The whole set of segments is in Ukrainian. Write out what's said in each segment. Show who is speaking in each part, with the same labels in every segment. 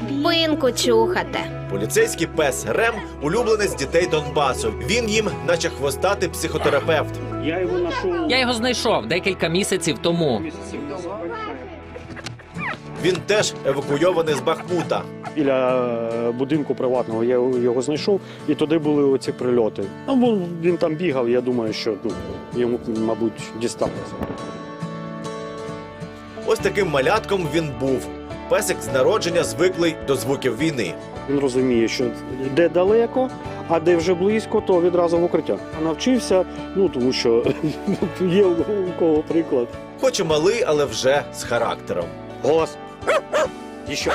Speaker 1: Пинку чухати.
Speaker 2: Поліцейський пес Рем – улюбленець дітей Донбасу. Він їм, наче хвостатий психотерапевт.
Speaker 3: Я його знайшов декілька місяців тому.
Speaker 2: Він теж евакуйований з Бахмута.
Speaker 4: Біля будинку приватного я його знайшов, і туди були оці прильоти. Ну, він там бігав, я думаю, що йому, мабуть, дісталося.
Speaker 2: Ось таким малятком він був. Песик з народження звиклий до звуків війни.
Speaker 4: Він розуміє, що де далеко, а де вже близько, то відразу в укриття. Навчився, тому що є у кого приклад.
Speaker 2: Хоч і малий, але вже з характером.
Speaker 4: Голос. Еще.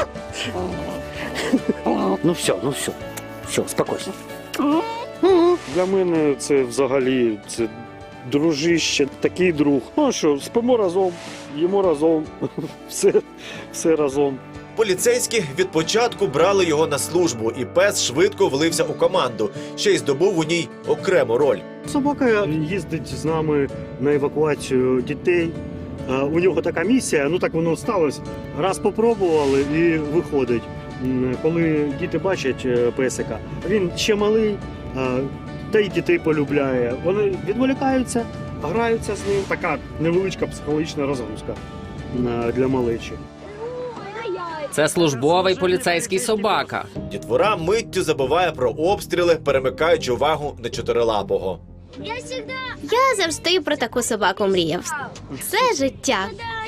Speaker 4: Ну все. Все, спокійно. Для мене це взагалі дружище, такий друг. Ну що, спимо разом, їмо разом, все разом.
Speaker 2: Поліцейські від початку брали його на службу, і пес швидко влився у команду, ще й здобув у ній окрему роль.
Speaker 4: Собака їздить з нами на евакуацію дітей. У нього така місія, так воно сталося. Раз попробували і виходить. Коли діти бачать песика, він ще малий, та й дітей полюбляє. Вони відволікаються, граються з ним. Така невеличка психологічна розгрузка для малечі.
Speaker 3: Це службовий поліцейський собака.
Speaker 2: Дітвора миттю забуває про обстріли, перемикаючи увагу на чотирилапого.
Speaker 1: Я завжди про таку собаку мріяв. Це життя.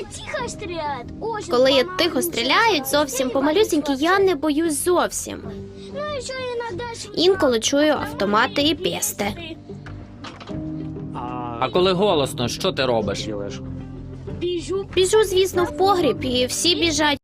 Speaker 1: Коли я тихо стріляють, зовсім помалюсінькі, я не боюсь зовсім. Інколи чую автомати і пісти.
Speaker 3: А коли голосно, що ти робиш?
Speaker 1: Біжу, звісно, в погріб, і всі біжать.